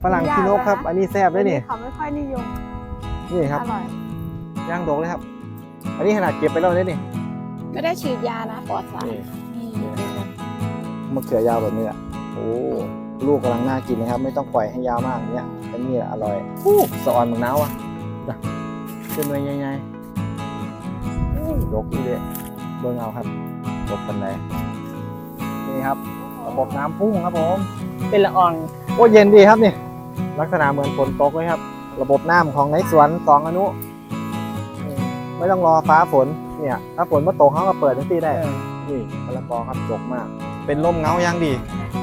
ฝรั่งขี้นกครับอันนี้แซ่บเลยนี่เขาไม่ค่อยนิยมนี่ครับอร่อยย่างดกเลยครับอันนี้ขนาดเก็บไปแล้วเลยนี่ไม่ได้ฉีดยานะปลอดสารมะเขือยาวแบบนี้อ่ะโอ้ลูกกำลังน่ากินนะครับไม่ต้องปล่อยให้ยาวมากเนี้ยเป็นนี่อร่อยสะออนเหมือนน้าวอ่ะขึ้นมาใหญ่ๆดกอีเลยเบิ่งเอาครับดกปันไหนนี่ครับระบบน้ำพุ่งครับผมเป็นละอองโอ้เย็นดีครับนี่ลักษณะเหมือนฝนตกเลยครับระบบน้ำของในสวน2 อนุไม่ต้องรอฟ้าฝนเนี่ยถ้าฝนมาตกเขาก็เปิดทันทีได้นี่มะละกอครับดกมากเป็นร่มเงายังดี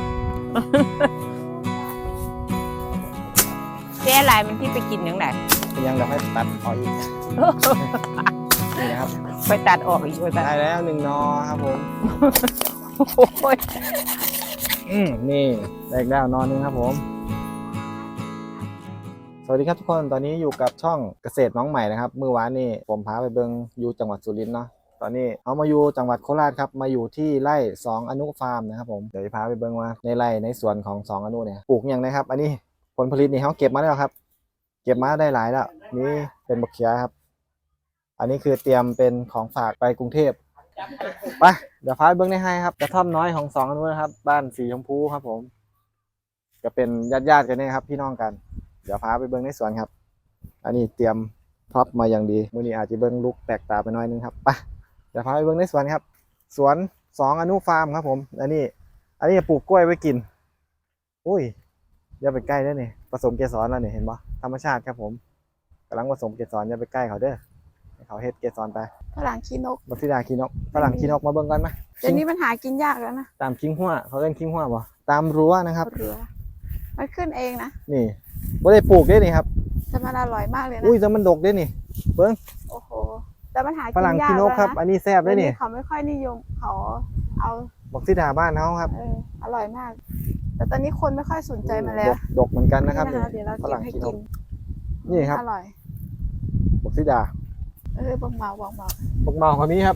แก้ลายมันที่ไปกินยังไงยังเดี๋ยวให้ตัดออกอีกนี่นะครับไปตัดออกอีกได้แล้ว1 นอครับผมโอ้ยนี่ได้แล้วนอนึงครับผมสวัสดีครับทุกคนตอนนี้อยู่กับช่องเกษตรน้องใหม่นะครับเมื่อวานนี้ผมพาไปเบิงอยู่จังหวัดสุรินทร์เนาะตอนนี้เอามาอยู่จังหวัดโคราชครับมาอยู่ที่ไร่2 อนุฟาร์มนะครับผมเดี๋ยวจะพาไปเบิงว่าในไร่ในสวนของ2 อนุเนี่ยปลูกอย่างไรครับอันนี้ผลผลิตนี่เขาเก็บมาแล้วครับเก็บมาได้หลายแล้วนี่เป็นบักเขียครับอันนี้คือเตรียมเป็นของฝากไปกรุงเทพไปเดี๋ยวพาไปเบิ้งในให้ครับกระท่อมน้อยของ2 อนุนะครับบ้านสีชมพูครับผมจะเป็นญาติกันเนี่ยครับพี่น้องกันเดี๋ยวพาไปเบิ้งในสวนครับอันนี้เตรียมพร็อพมาอย่างดีมื้อนี้อาจจะเบิ้งลุกแปลกตาไปหน่อยนึงครับไปเดี๋ยวพาไปเบิ้งในสวนครับสวน2 อนุฟาร์มครับผมอันนี้ปลูกกล้วยไว้กินอุ้ยอย่าไปใกล้เด้อนี่ผสมเกสรแล้วนี่เห็นปะธรรมชาติครับผมกำลังผสมเกสรอย่าไปใกล้เขาเด้อให้เขาเฮ็ดเกสรไปฝรั่งขี้นกบักซิดาขี้นกฝรั่งขี้นกมาเบิ่งกันไหมเดี๋ยวนี้มันหากินยากแล้วนะตามคิงหัวเขาเล่นคิงหัวบ่ตามรั้วนะครับรั้วมันขึ้นเองนะนี่บ่ได้ปลูกได้นี่ครับแต่มันอร่อยมากเลยนะอุ้ยแต่มันดกได้นี่เบิ่งโอ้โหแต่มันหากินยากฝรั่งขี้นกครับอันนี้แซ่บได้นี่เขาไม่ค่อยนิยมเขาเอาบักซิดาบ้านเขาครับอร่อยมากแต่ตอนนี้คนไม่ค่อยสนใจมันแล้วดกเหมือนกันนะครับเดี๋ยวเราเก็บให้กินนี่ครับอร่อยบักซิดาบักเมาบักเมาบักเมาคนนี้ครับ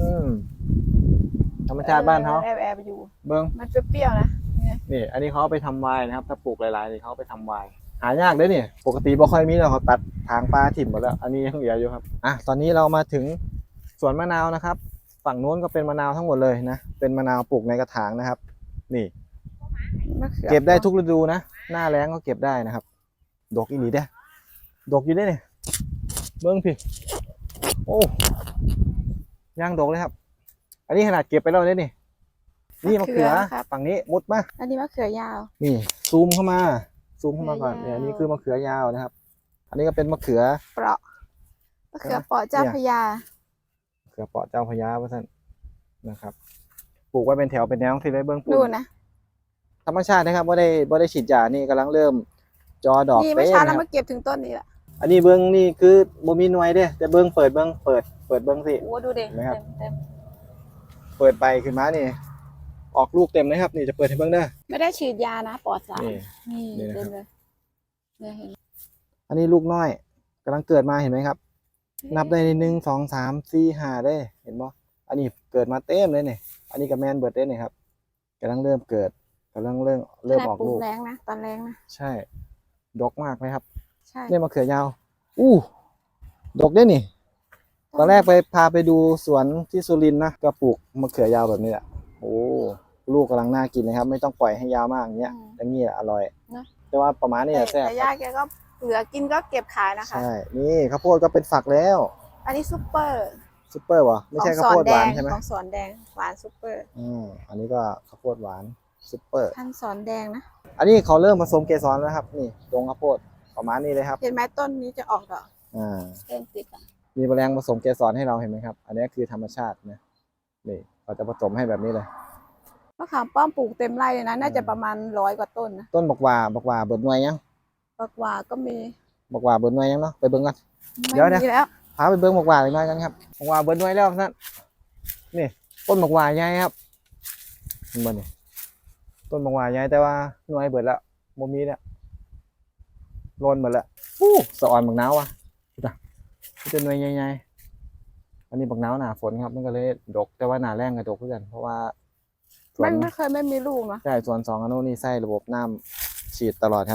ธรรมชาติบ้านเขาแอบอยู่เบิ้งมันเปรี้ยวๆนะนี่อันนี้เขาไปทำไวน์นะครับถ้าปลูกหลายๆนี่เขาไปทำไวน์หายากเลยนี่ปกติบ่ค่อยมีแล้วเขาตัดทางปลาถิ่มหมดแล้วอันนี้ยังเหลืออยู่ครับตอนนี้เรามาถึงสวนมะนาวนะครับฝั่งโน้นก็เป็นมะนาวทั้งหมดเลยนะเป็นมะนาวปลูกในกระถางนะครับนี่เก็บได้ทุกฤดูนะหน้าแล้งก็เก็บได้นะครับดกอีหลีเด้ดกอยู่ได้เนี่ยเบิ้งพี่โอ้ย่างดกเลยครับอันนี้ขนาดเก็บไปแล้วเนี่ยนี่มะเขือฝั่งนี้มุดมาอันนี้มะเขือยาวนี่ซูมเข้ามาก่อนเนี่ยนี่คือมะเขือยาวนะครับอันนี้ก็เป็นมะเขือเปราะมะเขือเปราะเจ้าพญามะเขือเปราะเจ้าพญาว่าท่านนะครับปลูกไว้เป็นแถวเป็นแนวที่ได้เบื้องปลูกดูนะธรรมชาตินะครับว่าได้ฉีดยานี่กำลังเริ่มจอดอกนี่ไม่ช้าแล้วมาเก็บถึงต้นนี้แหละอันนี้เบื้องนี่คือบ่มีหน่วยเด้แต่เบื้องเปิดเบื้องเบื้องสิโอ้ดูเด็กนะครับเปิดไปขึ้นมานี่ออกลูกเต็มนะครับนี่จะเปิดให้เบื้องได้ไม่ได้ฉีดยานะปลอดสารนี่เต็มเลยอันนี้ลูกน้อยกำลังเกิดมาเห็นไหมครับนับได้1 2 3 4 5ได้เห็นบ่อันนี้เกิดมาเต็มเลยนี่อันนี้กับแมนเบิร์ดได้นี่ครับกำลังเริ่มเกิดกำลังเริ่มออกลูกแรงนะตอนแรงนะใช่ดกมากไหมครับใช่เนี่ยมะเขือยาวดกได้นี่ตอนแรกพาไปดูสวนที่สุรินทร์นะก็ปลูกมะเขือยาวแบบนี้แหละโอ้ลูกกำลังน่ากินเลยครับไม่ต้องปล่อยให้ยาวมากอย่างเงี้ยอย่างนี้อร่อยแต่ว่าประมาณนี้แซ่บแต่ย่าแกก็เหลือกินก็เก็บขายนะคะใช่นี่ข้าวโพดก็เป็นฝักแล้วอันนี้ซุปเปอร์วะไม่ใช่ข้าวโพดหวานใช่ไหมของสอนแดงหวานซุปเปอร์อันนี้ก็ข้าวโพดหวานซุปเปอร์พันสอนแดงนะอันนี้เขาเริ่มผสมเกสรแล้วครับนี่ตรงข้าวโพดประมาณนี้เลยครับเห็นไหมต้นนี้จะออกดอกเริ่มติดมีแมลงผสมเกสรให้เราเห็นไหมครับอันนี้คือธรรมชาตินะนี่เขาจะผสมให้แบบนี้เลยมะขามป้อมปลูกเต็มไร่เลยนะน่าจะประมาณ100 กว่าต้นนะต้นบักหว่าเบิดหน่วยยังบักหว่าก็มีบักหว่าเบิดหน่วยยังเนาะไปเบิ่งกันเดี๋ยวนะพาไปเบิ่งบักหว่าอีกหน่อยกันครับบักหว่าเบิดหน่วยแล้วนั่นนี่ต้นบักหว่าใหญ่ครับเห็นบ่นี่ต้นบักหว่าใหญ่แต่ว่าหน่วยเบิดแล้วบ่มีแล้วโลนหมดแล้วสะออนบักนาวอ่ะเป็นหน่วยใหญ่ๆอันนี้บักนาวหนาฝนครับมันก็เลยดกแต่ว่าหนาแรงก็ดกเหมือนกันเพราะว่าไม่เคยไม่มีลูกนะใช่ส่วน2 อนุนี่ใส่ระบบน้ำฉีดตลอดครับ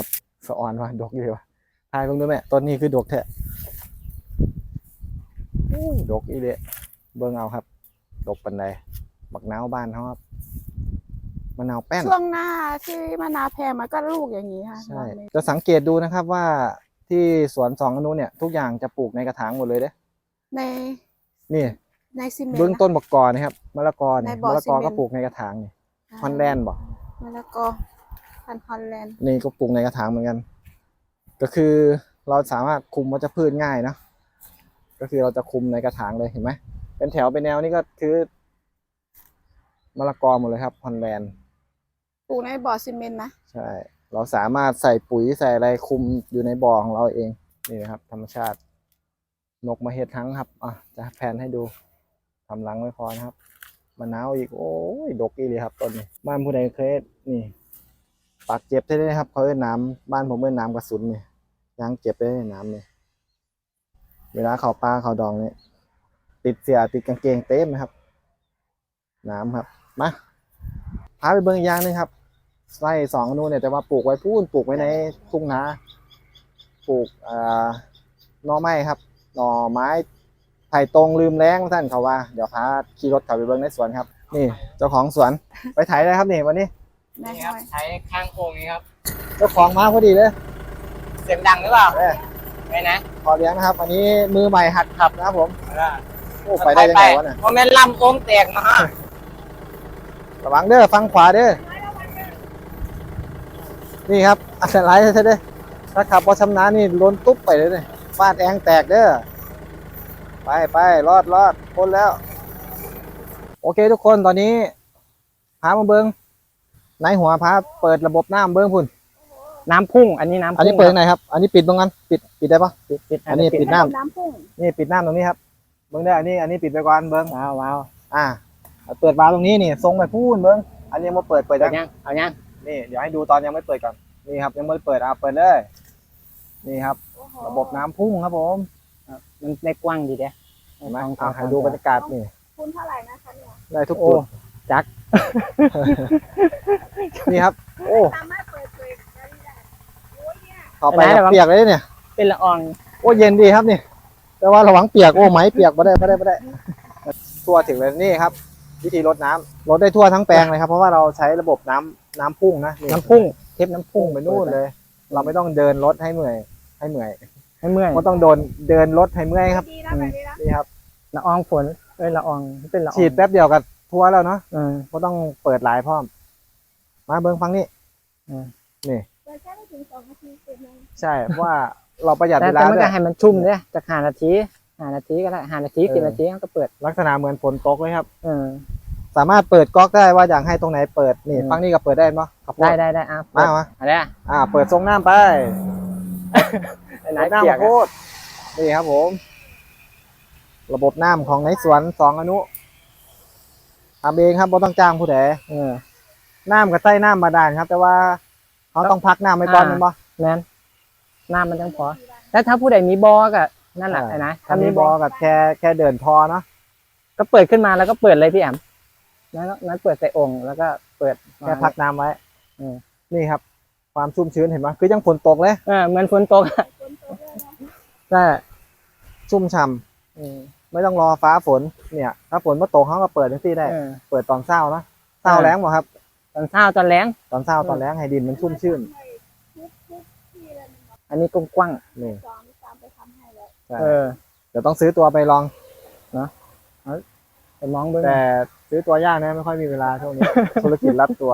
สะออนว่ะดกอยู่ว่ะทายเบิ่งดูแม่ต้นนี้คือดกแท้อู้ดกอีเดะเบิ่งเอาครับดกปานใดบักนาวบ้านเขาครับมะนาวแป้นช่วงหน้าที่มะนาวแพงมันก็ลูกอย่างนี้ค่ะใช่บางเม็ดจะสังเกตดูนะครับว่าที่สวนสองอนุเนี่ยทุกอย่างจะปลูกในกระถางหมดเลยเด้ในนี่ในซีเมนต์เบื้องต้นบักกอนะครับมะละกอเนี่ยในบ่อมะละกอซีเมนต์ก็ปลูกในกระถางนี่ฮอนแลนด์บอกมะละกอพันธุ์ฮอลแลนด์นี่ก็ปลูกในกระถางเหมือนกัน ก็คือเราสามารถคุมวัชพืชง่ายนะก็คือเราจะคุมในกระถางเลยเห็นไหมเป็นแถวเป็นแนวนี่ก็คือมะละกอหมดเลยครับฮอนแลนด์ปลูกในบ่อซีเมนต์นะใช่ เราสามารถใส่ปุ๋ยใส่อะไรคุมอยู่ในบ่อของเราเองนี่นะครับ ธรรมชาติ นกมาเห็ดทั้งครับอ่ะจะแพนให้ดูทำรังไว้พอนะครับมะนาวอีกโอ้ยดกอีเลยครับต้นนี้บ้านผู้ใดเคยนี่ปากเจ็บได้เลยครับเขาเอ้นน้ำบ้านผมเอ้นน้ำกระสุนนี่ยางเจ็บได้เลยน้ำนี่เวลาเขาปลาเขาดองนี่ติดเสียติดกางเกงเต็มนะครับ น้ำครับมาพาไปเบิ่งอีกอย่างหนึงครับไส้สองอนูเนี่ยแต่ว่าปลูกไว้พูนปลูกไว้ในทุ่งนาปลูกหน่อไม้ครับหน่อไม้ไผ่ตรงลืมแรงท่านเขาว่าเดี๋ยวพาขี่รถขับไปเบิ่งในสวนครับ นี่เจ้าของสวนไปไถได้ครับนี่วันนี้ในนี่ห้ครับอยใช้ข้างโค้งนี้ครับเจ้าของมาพอดีเลยเสียงดังหรือเปล่าเอ้ยไม่นะขอเลี้ยงนะครับ อันนี้มือใหม่หัดขับนะครับผมเออโอ้ไปได้ยังไงวะเนี่ยเพราะแม่นลำโค้งแตกมาระวังเด้อฟังขวาเด้อนี่ครับอันตรายใช่เด้อถ้าขับพอชำนาญนี่ล้นตุ๊บไปเลยเนี่ยฟาดแองแตกเด้อไปรอดพ้นแล้ว โอเคทุกคนตอนนี้พามาเบิ้งในหัวพาเปิดระบบน้ำเบิ้งพุ่นน้ำพุ่ง อันนี้น้ำอันนี้เปิดยังไงครับ อันนี้ปิดตรงนั้นปิดได้ปะปิดอันนี้ปิด น้ำน้ำพุ่งนี่ปิดน้ำตรงนี้ครับเบิ้งได้ออันนี้ปิดไปก่อนเบิ้งว้าวเปิดวาล์วตรงนี้นี่ทรงไปพูนเบิ้งอันนี้มาเปิดเอายังยังเอายังนี่เดี๋ยวให้ดูตอนยังไม่เปิดก่อนนี่ครับยังไม่เปิดเปิดเลยนี่ครับโอ้โหระบบน้ำพุ่งครับผมมันได้กว้างดีเด้เห็นไหมให้ดูบรรยากาศนี่คุณเท่าไหร่นะคะเนี่ยได้ทุกโอ้จุดจักนี่ครับ โอ้สามารถเปิดเผยได้โอ้ยเนี่ยเข้าไปแล้วเปียกเลยเนี่ยเป็นละอองโอ้เย็นดีครับนี่ แต่ว่าระวังเปียกโอ้ไหมเปียกไม่ได้ทั่วถึงเลยนี่ครับ วิธีรดน้ำรดได้ทั่วทั้งแปลงเลยครับ เพราะว่าเราใช้ระบบน้ำพุ่งนะนี่น้ำพุ่ง เทปน้ำพุ่พุ่งงไปนู่นเลย เราไม่ต้องเดินรถให้เมื่อยให้เมื่อยก็ต้องเดินรถให้เมื่อยครับดีนะแบบนี้นะนี่ครับละอองฝนละอองเป็นละอองฉีดแป๊บเดียวกับทั่วแล้วเนาะเออก็ต้องเปิดหลายพร้อม มาเบิ้งฟังนี่อืมนี่เปิดแค่ไม่ถึง2 นาทีเสร็จเลยใช่เพราะว่าเราประหยัดแต่เวลามันด้วก็ยให้มันชุ่มเนี่ยจาก5 นาทีก็ได้5 นาที10 นาทีก็เปิดลักษณะเหมือนฝนตกเลยครับเออสามารถเปิดก๊อกได้ว่าอยากให้ตรงไหนเปิดนี่อืมฟังนี่ก็เปิดได้เนาะครับได้อ่ะมาอะไรอ่ะเปิดทรงน้ำไปไหนน้ำเปียมาก โคอะตรนี่ครับผม ระบบน้ำของในสวนสองอนุทำเองครับไม่ต้องจ้างผู้ใดเออน้ำกับใต้น้ำบาดาลครับ แต่ว่าเขาต้องพักน้ำไว้ก่อนอ่าแมันบ่แม่นน้ำมันจังพอแล้วถ้าผู้ใดมีบอก็นั่นแหละใช่ไอ้นะถ้ามีบอกับแค่เดินพอเนาะก็เปิดขึ้นมาแล้วก็เปิดเลยพี่แอมนั้นเปิดใส่องค์แล้วก็เปิดแค่พักน้ำไว้อืมนี่ครับ ความชุ่มชื้นเห็นไหมคือยังฝนตกเลยเหมือนฝนตกอะฝนตกเลยนะใช่ชุ่มฉ่อืมำไม่ต้องรอฟ้าฝนเนี่ย ถ้าฝนมาตกเขาก็เปิดที่ได้เออเปิดตอนเช้าเนาะเช้าแล้งบ่ครับตอนเช้าตอนแรงตอนเช้าตอนแล้งให้ดินมันชุ่มชื่นทุกที่เลยนะอันนี้กว้างนี่ตามไปทำให้แล้วใช่ๆเดี๋ยวต้องซื้อตัวไปลองไปมองเบิ่งแต่ซื้อตัวยากนะไม่ค่อยมีเวลาช่วงนี้ ธุรกิจรับตัว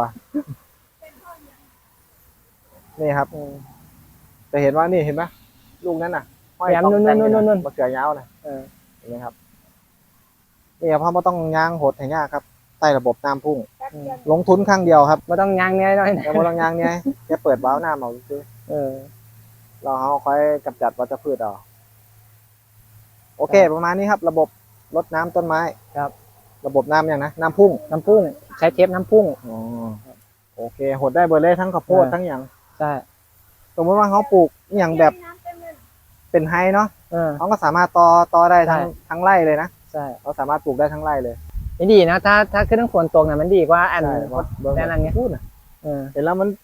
นี่ครับเออจะเห็นว่านี่เห็นไหมลูกนั้นน่ะห้อยแหลมตองแต่งอยู่นู่นมะเขือยาวนะเออเห็นไหมครับนี่ครับเพราะไม่ต้องย่างหดให้ยากครับใต้ระบบน้ำพุ่งแป๊บเดียวลงทุนครั้งเดียวครับไม่ต้องยางเนี้ยน้อยนะแต่ไม่ต้องย่างเนี่ยแค่เปิดวาล์วน้ำเอาซื้อเออเราเอาค่อยกำจัดวัชพืชเอาโอเค ประมาณนี้ครับ ระบบรดน้ำต้นไม้ครับระบบน้ำอย่างนะน้ำพุ่งน้ำพุ่งใช้เทปน้ำพุ่งอ๋อโอเคหดได้เบอร์เลยทั้งข้าวโพดเออทั้งอย่างใช่สมมติว่าเขาปลูกอหย่างแบบน้ำเต็มเลยเป็นไฮเนาะเออเขาก็สามารถต่อได้ทั้งใช่ทั้งไร่เลยนะใช่เขาสามารถปลูกได้ทั้งไร่เลยไม่ดีนะถ้าขึ้นทั้งฝนตกเนี่ยมันดีกว่าอันใช่เพราะเบิ้งแต่อันเนี้ยพูดนะเออเห็นแล้วมัน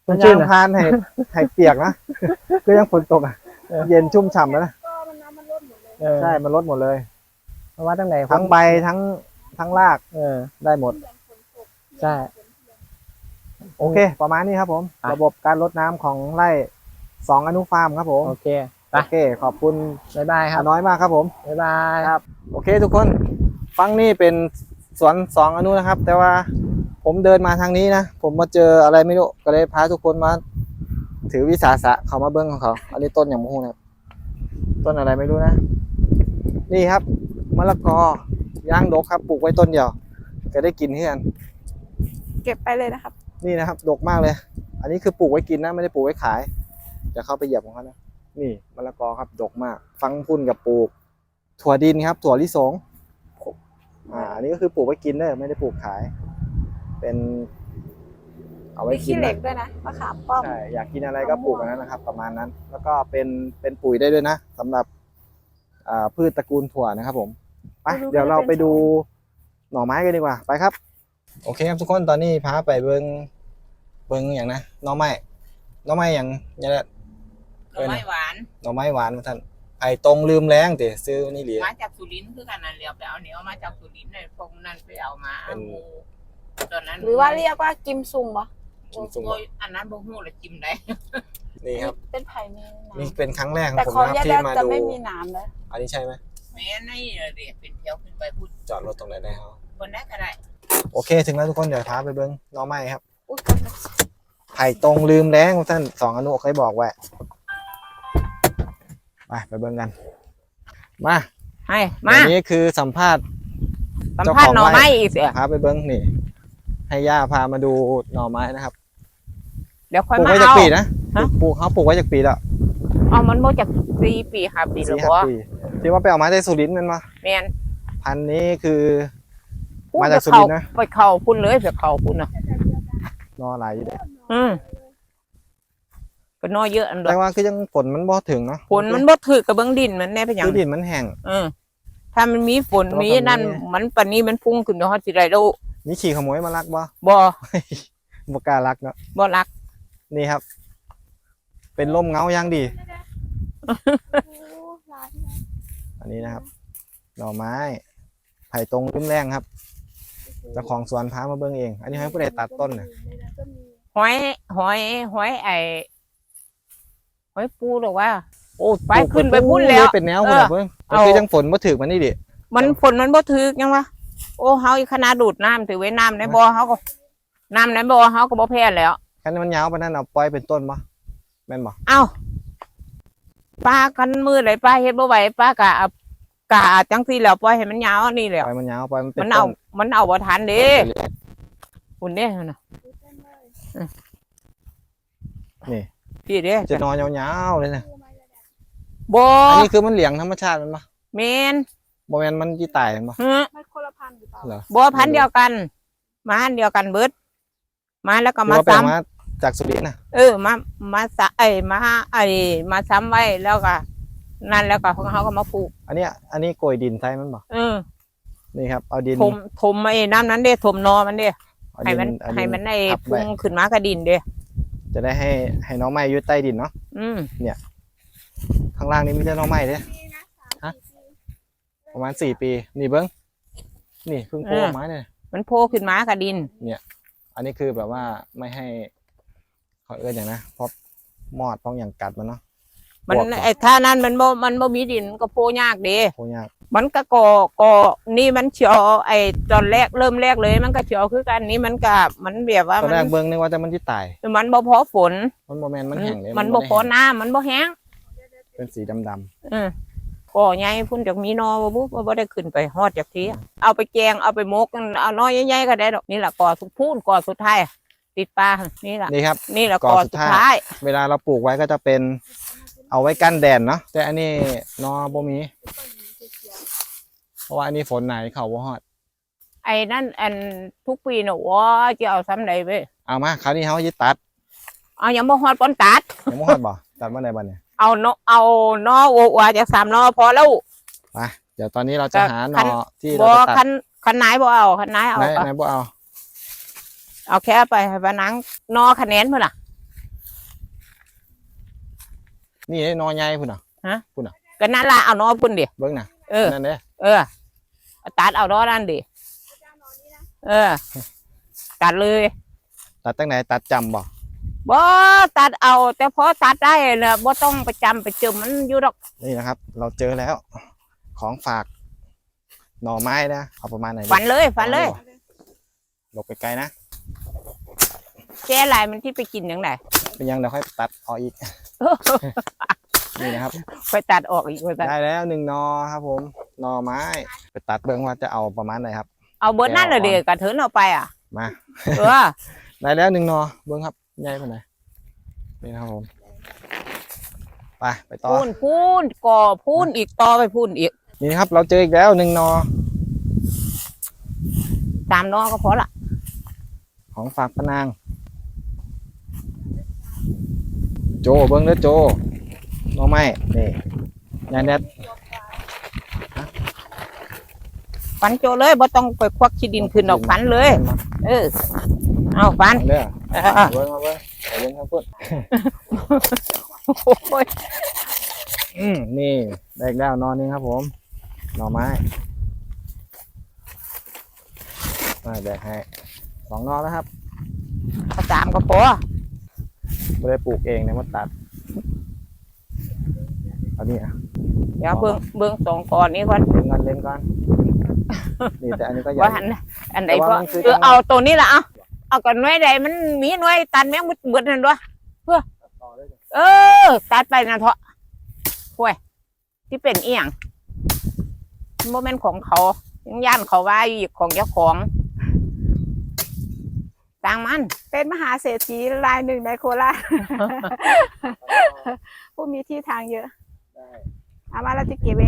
มันยาชื่นงอะพานให้เปียกนะ ก็ยังฝนตกอ่ะ เย็นชุ่มฉ่ำแล้วนะก็มันน้ำมันลดหมดเลยเออใช่มันลดหมดเลยเพราะว่าตั้งแต่ทั้งใบทั้งรากเออได้หมดใช่โอเค ประมาณนี้ครับผมอ่ะระบบการรดน้ำของไร่2อนุฟาร์มครับผมโอเคไปโอเค ขอบคุณบ๊ายบายครับน้อยมากครับผมบ๊ายบายครับ โอเคทุกคนฟังนี่เป็นสวน2อนุนะครับ แต่ว่าผมเดินมาทางนี้นะ ผมมาเจออะไรไม่รู้ก็เลยพาทุกคนมาถือวิสาสะเขามาเบิ้งของเขา อันนี้ต้นอย่างมูนะครับต้นอะไรไม่รู้นะ นี่ครับมะละกอย่างดกครับปลูกไว้ต้นเดียวก็ได้กินเพื่อนเก็บไปเลยนะครับนี่นะครับดกมากเลย อันนี้คือปลูกไว้กินนะไม่ได้ปลูกไว้ขายจะเข้าไปเหยียบของเขานะนี่มะละกอครับดกมาก ฟังพุ่นกับปลูก ถั่วดินครับถั่วลิสงอันนี้ก็คือปลูกไว้กินเด้อไม่ได้ปลูกขาย เป็น เอาไว้มีกิขี้นเหล็นะกด้วยนะมะขามป้อมใช่อยากกินอะไรก็ปลูกอันนั้นนะครับ ประมาณนั้น แล้วก็เป็นปุ๋ยได้ด้วยนะสำหรับพืชตระกูลถั่วนะครับผมไปเดี๋ยวเราไปดูหน่อไม้กันดีกว่าไปครับ โอเคครับทุกคนตอนนี้พาไปเบิ้งอย่างนะหน่อไม้อย่างเนี่ยแหละหน่อไม้หวานหน่อไม้หวานมาท่านไอ้ตรงลืมแรงแต่ซื้อนี่เหลียมาจากสุรินทร์คือกันนั่นเรียวไปเอาเหนียวมาจากสุรินทร์เลยพวกนั้นไปเอามาเป็นหมูตอนนั้นหรือว่าเรียกว่ากิมซุงปะซุ่มๆโอ้ยอันนั้นบ่ฮู้เลยจิ้มได้นี่ครับเป็นไผ่มีหนี่นามเป็นครั้งแรกของแต่ผมของนะครับยาที่แดดมาจะดูไม่มีหนามเลยอันนี้ใช่ไหมแม่ในเรียกเป็นแถวขึ้นไปพูดจอดรถตรงไหนได้ครับบนได้ก็ได้โอเคถึงแล้วทุกคนเดี๋ยวพาไปเบิ้งหน่อไม้ครับอุ๊ยไผ่ตรงลืมแรงท่าน2อนุเคยบอกไว้ไปเบิ้งกันมาให้มาอันนี้คือสัมภาษณ์สัมภาษณ์หน่อไม้อีกเสียพาไปเบิ้งนี่ ให้ย่าพามาดูหน่อไม้นะครับเดี๋ยวค่อยปลูกมาไว้จากเอาปีนะฮะปลูกเขาปลูกไว้จากปีแล้วเอามันบ่จาก4 ปี5 ปีแล้ว 4-5 บ่ปีที่ว่าไปเอามาจากสุรินทร์แมันมาแม่นพันธุ์นี้คือพูดมาจากสุรินทร์นะไปเข้าพุ่นเลยไปเข้าพุ่นน่ะนอหลายอยู่เด้อืมก็น้อยเยอะอันดอแต่กว่าคือยังฝนมันบ่ถึงเนาะฝนมันบ่ถือกับเบิ่งดินมันแน่เป็นหยังคือดินมันแห้งถ้ามันมีฝนแต่ว่ามีตอนนี้นั่นมันปานนี้มันพุ่งขึ้นเนาะสิได้แล้วมีขี่ขโมยมาลักบ่บ่บ่กล้าลักเนาะบ่รักนี่ครับ เป็นร่มเงาอย่างดี อันนี้นะครับ หน่อไม้ไผ่ตรงริมแรงครับเจ้าของสวนพามาเบิ่งเอง อันนี้ให้ผู้ใดตัดต้นน่ะหอยไอ้หอยปูหรอกว่าโอ้ไปขึ้นไปพุ่นแล้วเป็นแนวพุ่นน่ะเบิ่งเอาก็คือยังฝนบ่ถึกมันนี่ดิมันฝนมันบ่ถึกยังวะโอ้เฮาอีกขนาดดูดน้ำถือไว้น้ำในบ่อเฮาก็น้ำในบ่อเฮาก็บ่แพ้แล้วคันมันยาวปานนั้นเอาปล่อยเป็นต้นบ่แม่นบ่เอ้าป้ากันมือไหลป้าเฮ็ดบ่ไหวป้ากะจังซี่แล้วปล่อยให้มันยาวนี่แหล้วปล่อยมันยาวปล่อยมันเป็นมันต้เอานมันเอาบ่ทันเด้คุณเด้น่ะนี่พี่เด้จะนอนยาวๆเลยนะบ่อันนี้คือมันเหลียงธรรมชาติมันบ่แม่นบ่แม่นมันสิตายมันบ่ฮะมันคนละพันธุ์หรือเปล่าเหรอบ่พันธุ์เดียวกัน มาอันเดียวกันเบิดมาแล้วก็คือมาว่าไปซ้ำเอามาจากสุรินทร์น่ะมาสะมาซ้ำไว้แล้วก็นั่นแล้วก็ของเขาก็มาปลูกอันนี้โกยดินใส่มันบ่ นี่ครับเอาดินถมไอ้น้ำนั้นเด้ถมนอมันเด้เอาให้ดิมันเอาดิให้มันไอ้ทับไว้พุ่งขึ้นมากระดินเด้จะได้ให้น้องไม้อยู่ใต้ดินเนาะอืมข้างล่างนี้มีแต่น้องไม้เด้ ฮะ ประมาณ4 ปีนี่เบิ้งนี่เพิ่งโผล่ออกมาเนี่ยมันโผล่ขึ้นมากระดินอันนี้คือแบบว่าไม่ให้เขาเอื้อนอย่างนะเพราะมอดป้องอย่างกัดมันเนาะมันบวกก่อนไอ้ท่านั้นมันบ่มีดินมันก็โผล่ยากเด้โผล่ยากมันก็นี่มันเฉียวไอ้ตอนแรกเริ่มแรกเลย มันก็เฉียวคือกันนี่มันก็มันแบบว่าตอนแรกเบิ้งนึกว่าแต่มันที่ตายมันบ่พอฝนมันโมแมนมันแห้งเลยมันบ่พอน้ำมันบ่แห้งเป็นสีดำก็ใหญ่พุ่นจากมีนอบ่บุ๊บ่ได้ขึ้นไปฮอดจากทีเอาไปแกงเอาไปหมกเอาน้อยใหญ่ๆก็ได้ดอกนี่แหละก่อสุดพูนก่อสุดท้ายติดปลานี่แหละๆนี่ครับนี่แหละก่อก่อสุสุดดท้ายท้ายเวลาเราปลูกไว้ก็จะเป็นเอาไว้กั้นแดดเนาะแต่อันนี้นอบ่มี เพราะว่าอันนี้ฝนไหนเขาบ่ฮอดไอ้นั่นอันทุกปีน่ะว่าจะเอาซ้ำใดเว้ยเอามาคราวนี้เขายึดตัดเอายังบ่ฮอดปอนตัดยังบ่ฮอดบ่ตัดเมื่อไหร่บ่เนี่ยเอานอโอว่าจาก3นอพอแล้วไปเดี๋ยวตอนนี้เราจะหาหนคัอน ที่บ่เราจะตัดคันไหนบ่เอาคันไหนเอาไหนก็ไหนบ่เอาเอาแค่ไปให้ปานังนอคะแนนพุ่นน่ะนี่นอใหญ่พุ่นน่ะก็นั่นละเอานอพุ่นดิเบิ่งน่ะเออนั่นเด้เออเอาตัดเอานอนั่นดิเออ ตัดเลยตัดตั้งไหนตัดจำบ่บ่ตัดเอา แต่พอตัดได้เนี่ยบ่ต้องไปจำไปจมมันอยู่ดอกนี่นะครับ เราเจอแล้ว ของฝากหน่อไม้นะเอาประมาณไหนดีฝันเลยฝันเลยหลบไปไกลนะแก่หลายมันที่ไปกินยังไงเป็นยังเดี๋ยวค่อยตัดออกอีก นี่นะครับค่อยตัดออกอีกค่อยตัดได้แล้ว1 นอครับผมหน่อไม้ไปตัดเบิ่งว่าจะเอาประมาณไหนครับเอาเบิดนั่นเลยเด็กกระเถินเอาไปอ่ะมาเออได้แล้ว1 นอเบิ่งครับใหญ่ปานไหนนี่นะครับผมไปต่อพูนก่อพูนอีกต่อไปพูนอีกนี่นะครับ เราเจออีกแล้ว1 นอ 3 นอก็พอละของฝากพะนาง โจเบิ้งเด้อโจหน่อไม้นี่ยายแนทฝันโจเลยบ่ต้องไปควักขี้ดินขึ้นออกฝันเลย เออ เอาฝันเด้อเออเบิ้งมาเบิ้งไปเบิ้งครับพุ่นโอ้ยนี่ได้อีกแล้วนอนนึงครับผมหน่อไม้มาแบกให้2 นอแล้วครับเอา3ก็พอไม่ได้ปลูกเองนะมาตัดเอานี่อ่ะเดี๋ยวเบิ่ง2ก่อนนี้ก่อนเล่นก่อนนี่แต่อันนี้ก็ใหญ่ว่าอันไหนแต่ก็ว่ามันคือเอาตัวนี้ละเอาก่อนหน่วยใดมันมีหน่วยตันแม่งเบิดนั่นด้วยเออตัดไปนะเถอะห่วยที่เป็นเอียงโมเมนต์ของเขายังย่านเขาว่าอยู่ของเจ้าของต่างมันเป็นมหาเศรษฐีรายหนึ่งในโคราช ผู้มีที่ทางเยอะเอามาเราจะเก็บเอง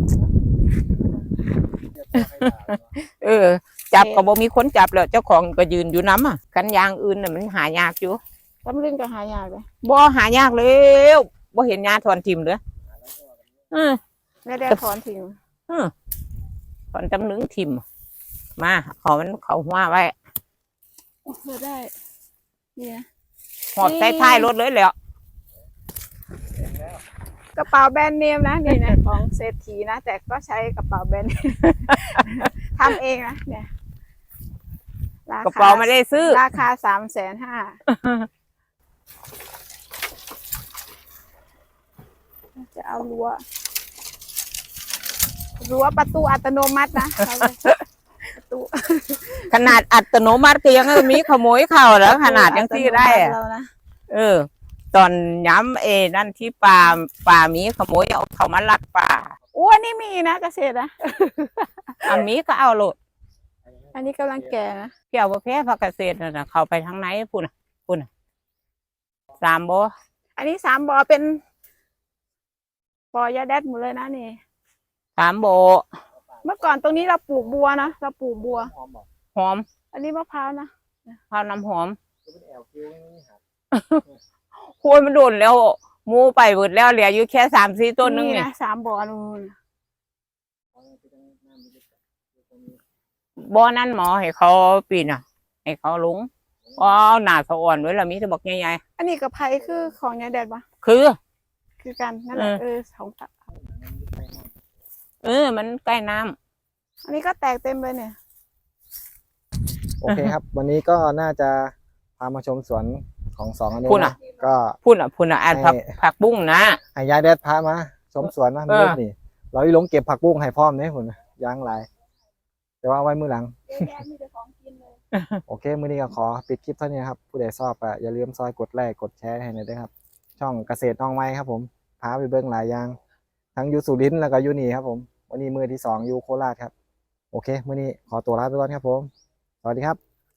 เออ จับก็บ่มีคนจับแล้วเจ้าของก็ยืนอยู่น้ำอ่ะกันยางอื่นน่ะมันหายากอยู่ตำลึงก็หายากเลยบ่หายากแล้วบ่เห็นยาถอนทิมเลยไม่ได้ถอนทิ้งถอนตำลึงทิมมาเขามันเขาหัวไว้เพื่อได้เนี่ยหอบใต้ท้ายรถเลยแหล้วกระเป๋าแบรนด์เนมนะนี่นะของเศรษฐีนะแต่ก็ใช้กระเป๋าแบรนด์เนม ทำเองนะเนี่ยรคกระเป๋าไม่ได้ซื้อราคา350,000จะเอารั้วประตูอัตโนมัตินะเอาเลยประตูขนาดอัตโนมัติก็ยังมีขโมยเข้าแล้วขนาดยังที่ได้อะเรานะเออ ตอนย้ำนั่นที่ป่ามีขโมยเอาเขามาลักป่าอ้วนนี่มีนะเกษตรนะอันมีก็เอาโหลดอันนี้กำลังแก่นะเกี่ยวกับแพร่พักเกษตรน่ะเขาไปทางไหนพุ่นน่ะ3 บ่อันนี้3 บ่อเป็นบ่อยาแดดหมดเลยนะนี่ 3 บ่เมื่อก่อนตรงนี้เราปลูกบัวนะเราปลูกบัวหอมอันนี้มะพร้าวนะข้าวน้ำหอมโคนมันโดนแล้วหมูไปเบิดแล้วเหลืออยู่แค่3-4 ต้นนึงนี่นี่นะ3 บ่อนู่นบ่นั่นหมอให้เขาปีนให้เขาลงอ๋อหน้าสะอ่อนไว้แล้วมีแต่บอกใหญ่อันนี้กับไผ่คือของยาแดดปะๆคือคือกันนั่นแหละของตะมันใกล้น้ำอันนี้ก็แตกเต็มเลยเนี่ยโอเคครับ วันนี้ก็น่าจะพามาชมสวนของ2 อันนี้พุ่นน่ะนะก็พุ่นอ่านผักบุ้งนะให้ยายแดดพามาชมสวนนะเออมืดนี่เราอีหลงเก็บผักบุ้งให้พร้อมเนี่ยคุณยางหลายแต่ว่าเอาไว้มือหลัง โอเค มื้อนี้ก็ขอปิดคลิปเท่านี้ครับ ผู้ใดชอบก็อย่าลืมซอยกดไลค์กดแชร์ให้หน่อยด้วยครับ ช่องเกษตรน้องไม้ครับผมพาไปเบิ่งหลายอย่างทั้งอยู่สุรินทร์แล้วก็อยู่นี่ครับผมวันนี้มื้อที่ 2อยู่โคราชครับ โอเค มื้อนี้ขอตัวลาไปก่อนครับผม สวัสดีครับ